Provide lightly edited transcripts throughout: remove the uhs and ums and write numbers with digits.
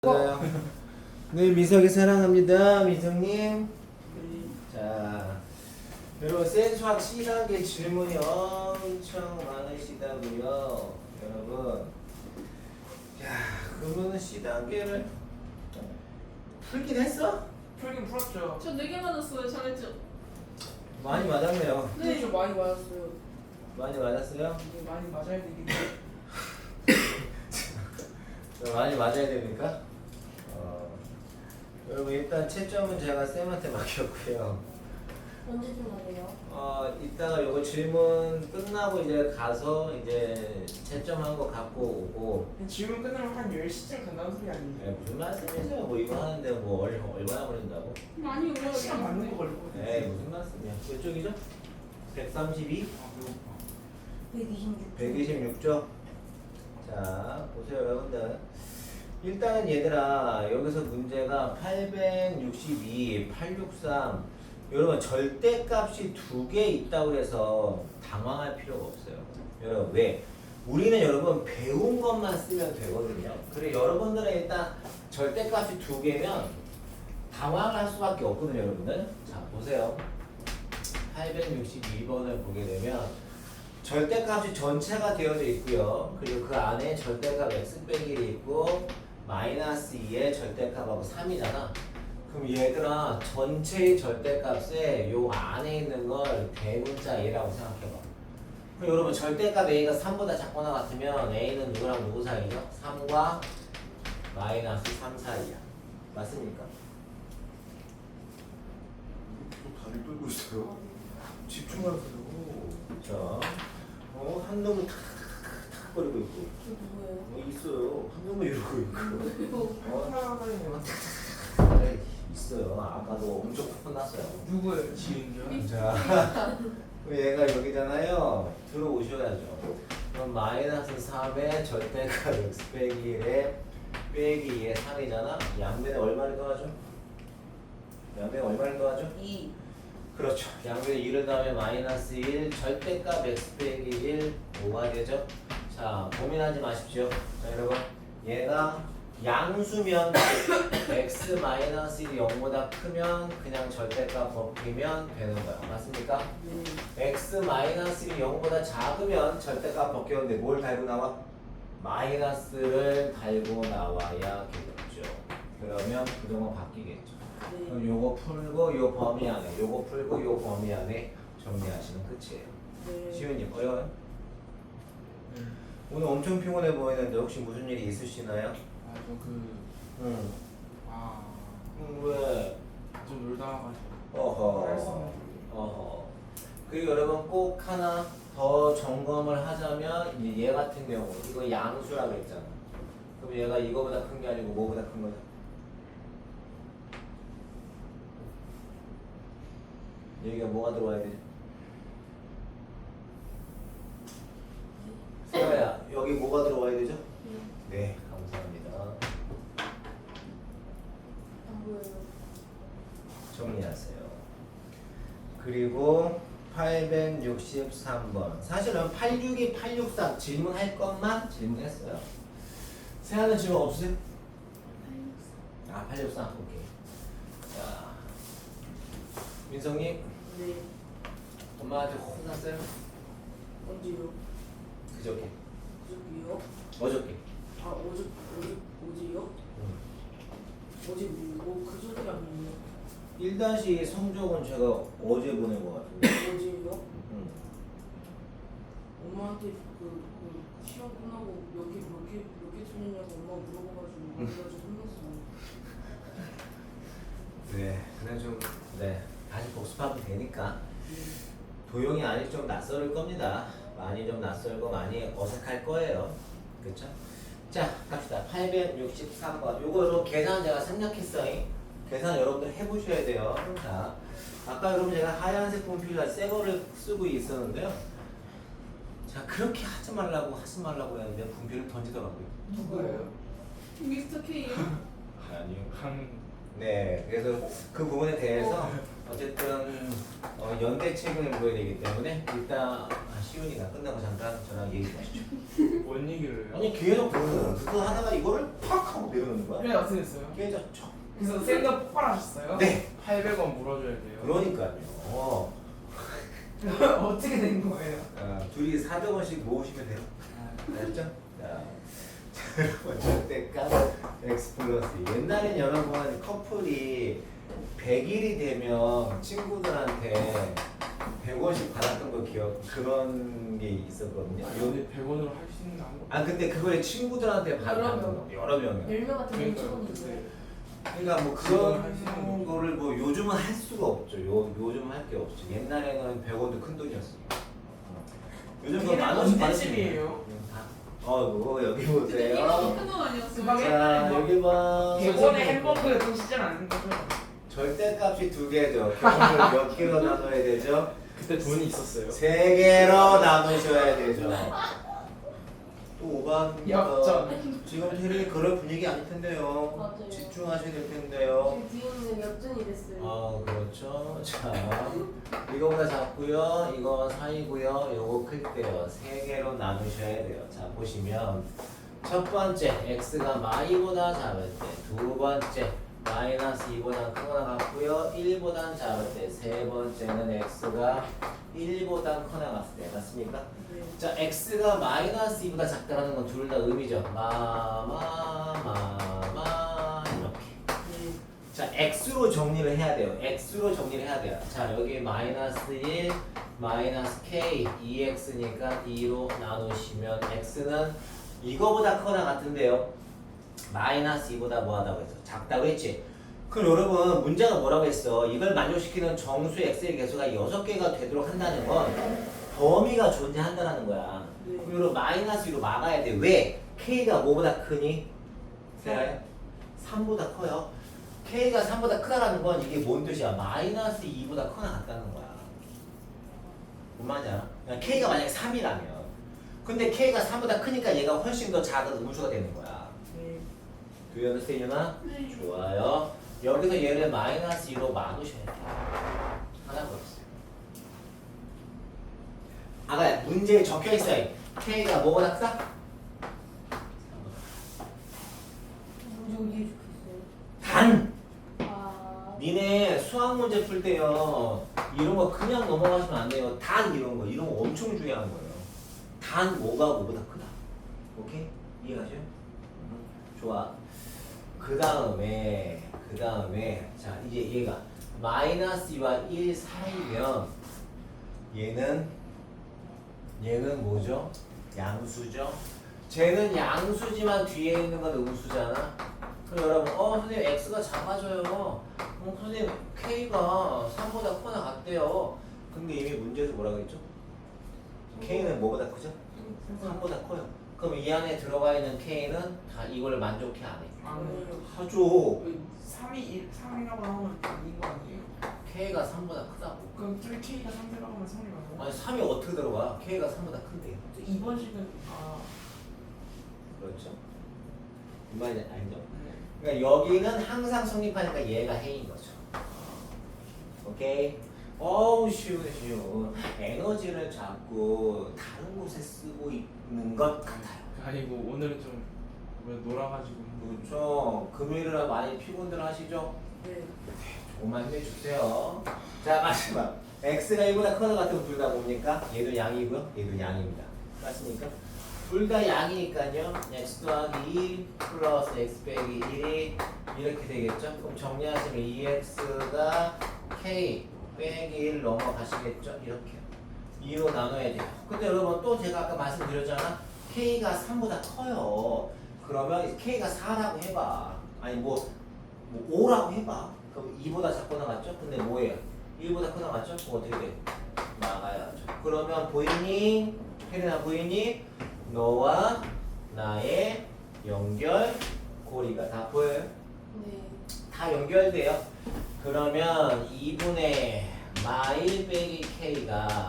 맞아요. 네, 미석이 사랑합니다. 미석님. 자, 여러분 센수학 C단계 질문이 엄청 많으시다고요. 여러분. 야, 그러면 C단계를 풀긴 했어? 풀긴 풀었죠. 저 4개 맞았어요. 잘했죠? 많이 맞았네요. 네, 좀 많이 맞았어요. 많이 맞았어요? 이게 많이 맞아야 되긴 해. 많이 맞아야 됩니까? 여러분 일단 채점은 제가 쌤한테 맡겼고요. 언제쯤 하세요? 이따가 요거 질문 끝나고 이제 가서 이제 채점한 거 갖고 오고. 질문 끝나면 한 10시쯤 간다는 소리 아니에요? 무슨 말씀이세요? 뭐 이거 하는데 뭐 얼마나 걸린다고? 많이 올라요. 시간 맞는 거 걸리고. 무슨 말씀이야? 몇 쪽이죠? 132? 아, 배고파. 126쪽. 자, 보세요 여러분들. 일단은 얘들아 여기서 문제가 862, 863 여러분 절대값이 2개 있다고 해서 당황할 필요가 없어요. 여러분 왜? 우리는 여러분 배운 것만 쓰면 되거든요. 그래 여러분들은 일단 절대값이 2개면 당황할 수밖에 없거든요 여러분들. 자 보세요. 862번을 보게 되면 절대값이 전체가 되어져 있고요. 그리고 그 안에 절대값 x 빼기 1이 있고 마이너스 2의 절대값하고 3이잖아. 그럼 얘들아 전체의 절대값에 요 안에 있는 걸 대문자 a라고 생각해봐. 그럼 여러분 절대값 a가 3보다 작거나 같으면 a는 누구랑 누구 사이죠? 3과 마이너스 3 사이야. 맞습니까? 또 다리 떨고 있어요. 집중하세요. 자, 한 놈은 탁탁탁 거리고 있고 저 누구예요? 있어요. 한 놈은 이러고 있고 하나는 네, 있어요. 아까도 엄청 혼났어요. 누구예요? 지은이요? 자, 얘가 여기잖아요. 들어오셔야죠. 그럼 마이너스 3의 절대값 x 빼기 1에 빼기 2의 3이잖아. 양변에 얼마를 더하죠? 양변에 얼마를 더하죠? 2. 그렇죠. 양변에 2를 더하면 마이너스 1 절대값 x 빼기 1 5가 되죠. 자, 고민하지 마십시오. 자, 여러분 얘가 양수면 x 마이너스 1이 0보다 크면 그냥 절대값 벗기면 되는 거야. 맞습니까? x 마이너스 1이 0보다 작으면 절대값 벗겼는데 뭘 달고 나와? 마이너스를 달고 나와야 되겠죠. 그러면 그동안 바뀌겠죠. 그럼 요거 풀고 요 범위 안에 요거 풀고 요 범위 안에 정리하시면 끝이에요. 시윤님 어려워요? 네. 오늘 엄청 피곤해 보이는데 혹시 무슨 일이 있으시나요? 아, 응. 왜? 좀 놀다 와가지고. 어허. 어허. 그리고 여러분 꼭 하나 더 점검을 하자면 이제 얘 같은 경우 이거 양수라고 했잖아. 그럼 얘가 이거보다 큰 게 아니고 뭐보다 큰 거죠? 여기가 뭐가 들어와야 되지? 세아야 여기 뭐가 들어와야 되죠? 네 감사합니다. 안 보여요. 정리하세요. 그리고 863번 사실은 862, 863 질문할 것만 질문했어요. 세아는 질문 없으세요? 863 오케이. 자 민성님 네. 엄마한테 혼났어요? 언제요? 그저께 그저께요? 어저께 어제요? 어제 뭐 그저께 아니에요? 1-2 성적은 제가 어제 보낸 것 같은데 어제요? 응. 엄마한테 그 시험 끝나고 몇 개 틀렸냐고 엄마가 물어봐가지고 그래가지고 혼났어요. 네 그냥 네 다시 복습하면 되니까 도용이 아직 좀 낯설을 겁니다. 많이 좀 낯설고 많이 어색할 거예요. 그렇죠? 자 갑시다. 863번 요거 계산 제가 생략했어요. 계산 여러분들 해보셔야 돼요. 자 아까 여러분 제가 하얀색 분필과 새 거를 쓰고 있었는데요. 자 그렇게 하지 말라고 했는데 분필을 던지더라고요. 누구예요? 미스터 K요? 아니요. 강. 네 그래서 그 부분에 대해서 어쨌든 연대 책을 보여야 되기 때문에 일단 시윤이가 끝나고 잠깐 저랑 얘기 좀 하시죠. 뭔 얘기를 해요? 아니 계속 그거 하다가 이거를 팍 하고 내려놓는 거야. 그래 어떻게 됐어요? 계속 쳐. 그래서 쌤도 폭발하셨어요? 네. 800원 물어줘야 돼요. 그러니까요. 어떻게 된 거예요? 둘이 400원씩 모으시면 돼요. 알았죠? 자, 여러분 절대값 x 플러스 옛날엔 여러분 커플이 100일이 되면 친구들한테 100원씩 받았던 거 기억 그런 게 있었거든요. 근데 100원으로 할 수 있는 거 아무것도 근데 그걸 친구들한테 받는 여러 거 여러 명이. 10명 같은 경우 그러니까요. 처음인데. 그러니까 뭐 지금은 할 그런 수 있는 거를 뭐 요즘은 할 수가 없죠. 요즘은 할 게 없죠. 옛날에는 100원도 큰 돈이었으니까. 요즘 그 만 원씩 언제쯤이에요? 뭐 여기 근데 보세요. 이거 큰돈 아니었어. 그방에 자 여기 봐. 100원에 햄버거에 돈 쓰진 않는 거죠? 절대값이 2개죠. 그걸 몇 개로 나눠야 되죠? 그때 돈이 있었어요? 3개로 나누셔야 되죠. 또 오바입니다. 역전. 지금 테레비 그럴 분위기 아닐 텐데요. 맞아요. 집중하셔야 될 텐데요. 지금 뒤에는 역전이 됐어요. 그렇죠. 자, 이거보다 작고요. 이거 사이고요. 요거 클게요. 3개로 나누셔야 돼요. 자, 보시면 첫 번째 x가 마이보다 작을 때, 두 번째 마이너스 2보다 크거나 같고요. 1보다 작을 때, 세 번째는 x가 1보다 크거나 같을 때, 맞습니까? 네. 자, x가 마이너스 2보다 작다라는 건 둘 다 의미죠. 이렇게. 네. 자, x로 정리를 해야 돼요. x로 정리를 해야 돼요. 자, 여기 마이너스 1, 마이너스 k, 2x니까 2로 나누시면 x는 이거보다 크거나 같은데요. 마이너스 2보다 뭐하다고 했어? 작다고 했지? 그럼 여러분 문제가 뭐라고 했어? 이걸 만족시키는 정수 x의 개수가 6개가 되도록 한다는 건 범위가 존재한다는 거야. 네. 그럼 여러분 마이너스 2로 막아야 돼. 왜? k가 뭐보다 크니? 네. 3보다 커요. k가 3보다 크다라는 건 이게 뭔 뜻이야? 마이너스 2보다 크거나 같다는 거야. 뭔 말인지 알아? 그러니까 k가 만약에 3이라면 근데 k가 3보다 크니까 얘가 훨씬 더 작은 음수가 되는 거야. 네. Do you understand, 유나? 네. 좋아요. 여기서 얘를 마이너스 2로 막으셔야 돼요. 하나 버렸어요. 아까 문제에 적혀있어요. k가 뭐보다 크다? 문제 어디에 적혀있어요? 단! 네. 니네 수학 문제 풀 때요 이런 거 그냥 넘어가시면 안 돼요. 단 이런 거 엄청 중요한 거예요. 단 뭐가 뭐보다 크다. 오케이? 이해가죠? 좋아. 그 다음에 자 이제 얘가 마이너스 2와 1 사이면 얘는 뭐죠? 양수죠? 쟤는 양수지만 뒤에 있는 건 음수잖아. 그럼 여러분 선생님 x가 작아져요. 선생님 k가 3보다 크거나 같대요. 근데 이미 문제에서 뭐라고 했죠? k는 뭐보다 크죠? 3보다 커요. 그럼 이 안에 들어가 있는 k는 다 이걸 만족해 안 해? 하죠. 3이라고 하면 아닌 거 아니에요? k가 3보다 크다고. 그럼 3K가 3이라고 하면 3이 맞아요? 아니 3이 어떻게 들어가? k가 3보다 큰데. 2번 식은 그렇죠? 이 말이 아니죠? 네. 그러니까 여기는 항상 성립하니까 얘가 해인 거죠. 오케이? 어우 쉬운. 에너지를 자꾸 다른 곳에 쓰고 있는 것 같아요. 아니고 오늘은 좀 놀아가지고 그렇죠. 금요일이라 많이 피곤들 하시죠? 네. 조금만 힘내주세요. 자 마지막 x가 1보다 크다 같으면 둘 다 뭡니까? 얘도 양이고요. 얘도 양입니다. 맞습니까? 둘 다 양이니까요. x 더하기 2 플러스 x 빼기 1이 이렇게 되겠죠? 그럼 정리하시면 2x가 k 빼기 1 넘어가시겠죠? 이렇게요. 2로 나눠야 돼요. 근데 여러분 또 제가 아까 말씀드렸잖아. k가 3보다 커요. 그러면 k가 4라고 해봐. 아니 뭐 5라고 해봐. 그럼 2보다 작거나 같죠? 근데 뭐예요? 1보다 크다 맞죠? 그럼 어떻게 돼? 나가야죠. 그러면 보이니? 혜린아 보이니? 너와 나의 연결고리가 다 보여요? 네. 다 연결돼요. 그러면 2분의 마1 빼기 k가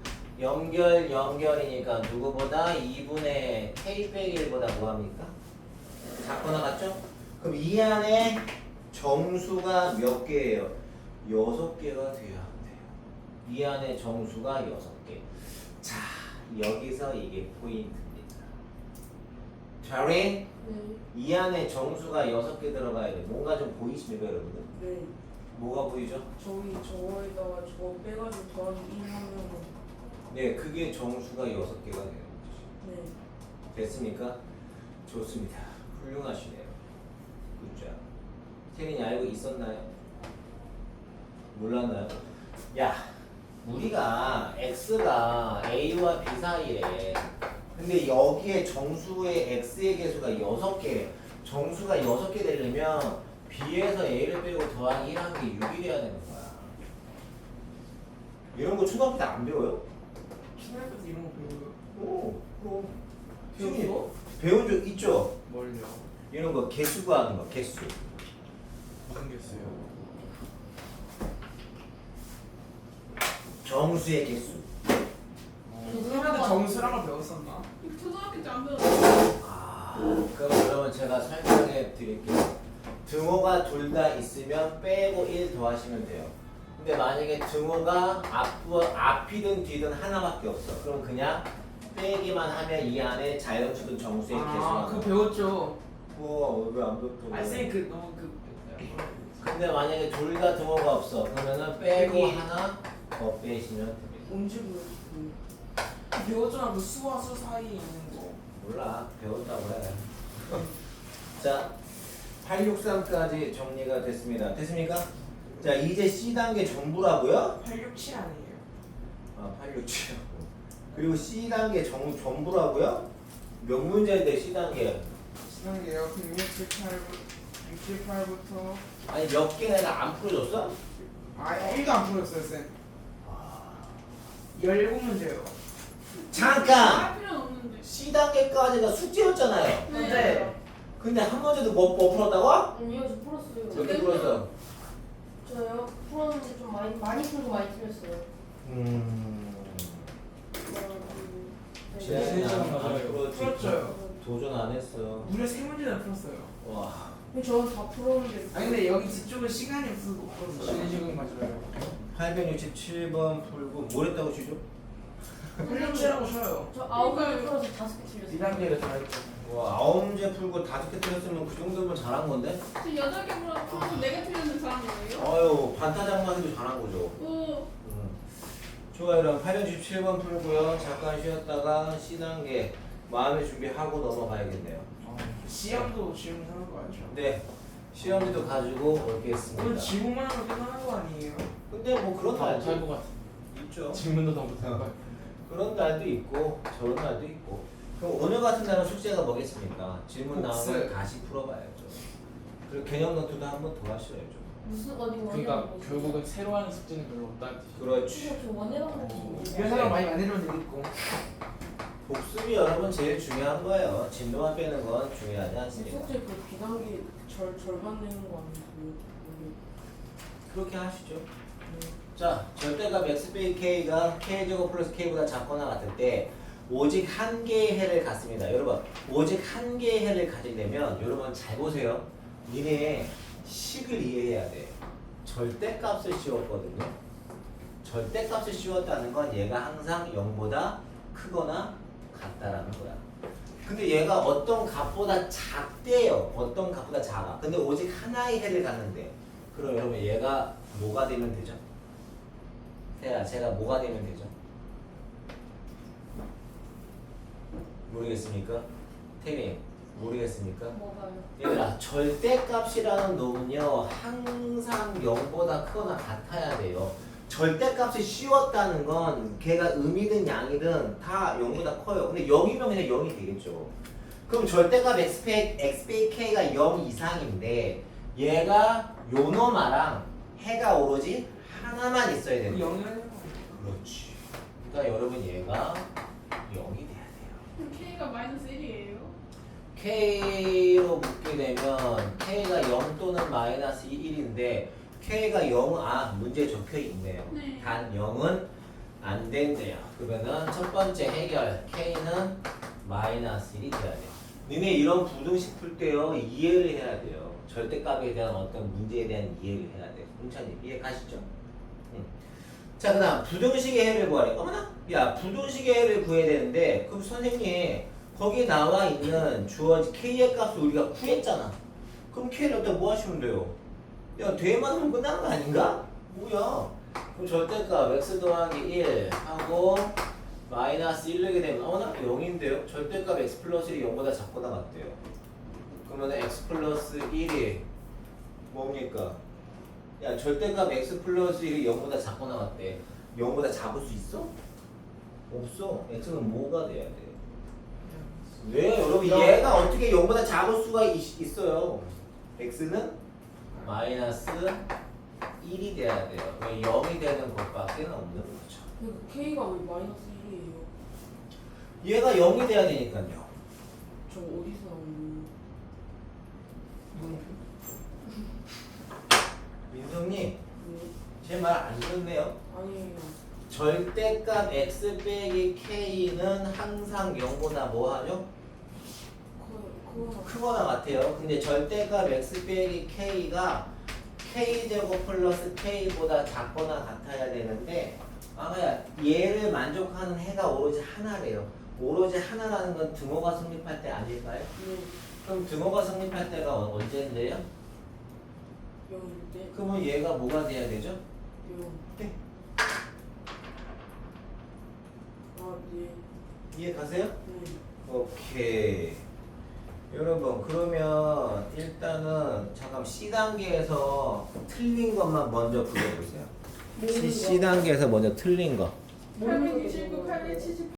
연결이니까 누구보다 2분의 k 빼기 1보다 뭐합니까? 작거나 같죠? 그럼 이 안에 정수가 몇 개예요? 6개가 돼야 돼요. 이 안에 정수가 6개. 자, 여기서 이게 포인트입니다. 잘해? 네. 이 안에 정수가 6개 들어가야 돼. 뭔가 좀 보이십니까, 여러분들? 네. 뭐가 보이죠? 저기 저거에다가 저거 빼가지고 더하기 1 하면 네, 그게 정수가 6개가 되는 거죠. 네. 됐습니까? 좋습니다. 훌륭하시네요. 굿자. 태민이 알고 있었나요? 몰랐나요? 야, 우리가 x가 a와 b 사이에 근데 여기에 정수의 x의 개수가 6개 정수가 6개 되려면 b에서 a를 빼고 더하기 1 하는 게 6이 돼야 되는 거야. 이런 거 초등학교 때 안 배워요? 초등학교 때 이런 거 배워요? 오, 그럼 배웠어? 배운 적 있죠? 뭘요? 이런 거 개수 구하는 거 개수. 무슨 게 있어요? 정수의 개수. 그런데 정수란 걸 배웠었나? 초등학교 때 안 배웠어. 아, 그럼 여러분 제가 설명해 드릴게요. 등호가 둘 다 있으면 빼고 1 더하시면 돼요. 근데 만약에 등호가 앞이든 뒤든 하나밖에 없어. 그럼 그냥 빼기만 하면 이 안에 자연수든 정수의 개수가 그거 배웠죠. 왜안 배웠어? 아니 쌤 그 너무 그 근데 만약에 둘 다 등호가 없어. 그러면은 빼고 하나 더 빼시면 됩니다. 언제 배웠어? 배웠잖아 그 수와 수 사이에 있는 거. 몰라, 배웠다고 해. 자, 863까지 정리가 됐습니다. 됐습니까? 자, 이제 C단계 전부라고요? 867 아니에요? 아, 867. 그리고 C단계 전부라고요? 몇 문제인데 C단계? 시간이에요. 그럼 68부터 아니, 몇 개 내가 안 풀어줬어? 1도 안 풀었어요 쌤. 17문제요. 잠깐! 할 필요는 없는데. C단계까지가 숙제였잖아요. 네. 근데 한 문제도 못 풀었다고? 아니요, 저 풀었어요. 몇 개 풀었어? 저요? 풀었는데 좀 많이 풀고 많이 틀렸어요. 쟤는 안 맞아요. 풀었지. 풀었죠. 도전 안 했어. 무려 3문제나 풀었어요. 와. 저는 다 풀었는데. 아니 근데 여기 뒤쪽은 시간이 없어서 못 풀었어요. 시간이 맞아요. 867번 풀고 뭘 했다고 치죠? 867하고 쉬어요. 저 9개 풀어서 5개 틀렸어요. 2단계를 다 했죠. 와, 9문제 풀고 5개 틀렸으면 그 정도면 잘한 건데? 저 8개 풀어서 4개 틀렸는데 잘한 거예요? 아유, 반타작만 해도 잘한 거죠. 오. 좋아요. 그럼 867번 풀고요. 잠깐 쉬었다가 C단계 마음의 준비하고 넘어가야겠네요. 시험도 질문하는 거 알죠? 네, 시험지도 가지고 오늘 오겠습니다. 지문만 하면 끝나는 거 아니에요? 근데 뭐 그런 날도 잘것 같아. 있죠. 질문도 다 못할 거 그런 날도 있고 저런 날도 있고. 그럼 오늘 같은 날은 숙제가 뭐겠습니까? 질문 복습. 나오면 다시 풀어봐야죠. 그리고 개념 노트도 한 번 더 하셔야죠. 무슨 어디 원해라고 그러니까 결국은 새로 하는 숙제는 별로 없다는 뜻이죠. 그렇지. 저 원해라고 했지. 이런 사람 많이 만들면 되겠고. 복습이 여러분 제일 중요한 거예요. 진도만 빼는 건 중요하지 않습니다. 숙제 그 비단계 절반 내는 거 아니에요? 그렇게 하시죠. 자, 절대값 x 빼기 k가 k제곱 플러스 k보다 작거나 같을 때 오직 한 개의 해를 갖습니다. 여러분, 오직 한 개의 해를 가지려면 여러분 잘 보세요. 니네 식을 이해해야 돼. 절대값을 씌웠거든요. 절대값을 씌웠다는 건 얘가 항상 0보다 크거나 같다라는 거야. 근데 얘가 어떤 값보다 작대요. 어떤 값보다 작아. 근데 오직 하나의 해를 갖는데 그럼 여러분 얘가 뭐가 되면 되죠? 태야, 제가 뭐가 되면 되죠? 모르겠습니까? 태민, 모르겠습니까? 뭐가요? 얘들아, 절대값이라는 놈은요 항상 0보다 크거나 같아야 돼요. 절대값을 씌웠다는 건 걔가 음이든 양이든 다 0보다 커요. 근데 0이면 그냥 0이 되겠죠. 그럼 절대값 x 빼기 k가 0 이상인데 얘가 요 놈아랑 해가 오로지 하나만 있어야 되는 거예요. 0을 해요. 그렇지. 그러니까 여러분 얘가 0이 돼야 돼요. 그럼 K가 마이너스 1이에요? K로 묶게 되면 K가 0 또는 마이너스 1인데 K가 0, 문제에 적혀 있네요. 네. 단 0은 안 된대요. 그러면은 첫 번째 해결 K는 마이너스 1이 돼야 돼요. 니네 이런 부등식 풀 때요 이해를 해야 돼요. 절대값에 대한 어떤 문제에 대한 이해를 해야 돼요. 홍찬님 이해 가시죠? 자, 그 다음 부등식의 해를 구하래. 어머나? 야, 부등식의 해를 구해야 되는데 그럼 선생님 거기 나와 있는 주어진 k의 값을 우리가 구했잖아. 그럼 k를 어디다 뭐 하시면 돼요? 야, 뒤에만 하면 끝나는 거 아닌가? 뭐야? 그럼 절대값 x 더하기 1 하고 마이너스 1 넣게 되면 어머나? 0인데요? 절대값 x 플러스 1이 0보다 작거나 같대요. 그러면 x 플러스 1이 뭡니까? 야, 절대값 x 플러스 1이 0보다 작거나 같대. 0보다 작을 수 있어? 없어. x는 뭐가 돼야 돼? 왜? 여러분 얘가 어떻게 0보다 작을 수가 있어요? x는 마이너스 1이 돼야 돼요. 왜 0이 되는 것밖에 없는 거죠. 그러니까 K가 왜 마이너스 1이에요? 얘가 0이 돼야 되니까요. 저 어디서 나온 민성님, 거예요? 제 말 안 듣네요. 아니에요. 절대값 x 빼기 k는 항상 0보다 뭐하죠? 그거나 크거나 같아요. 근데 절대값 x 빼기 k가 k제곱 플러스 k보다 작거나 같아야 되는데 아마야 얘를 만족하는 해가 오로지 하나래요. 오로지 하나라는 건 등호가 성립할 때 아닐까요? 네. 그럼 등호가 성립할 때가 언제인데요? 0일 때 그러면 얘가 뭐가 돼야 되죠? 0. 네. 아, 네. 이해 가세요? 네. 오케이. 여러분 그러면 일단은 잠깐 C단계에서 틀린 것만 먼저 그려보세요. C단계에서 먼저 틀린 거. 모르는 게 79, 81, 78.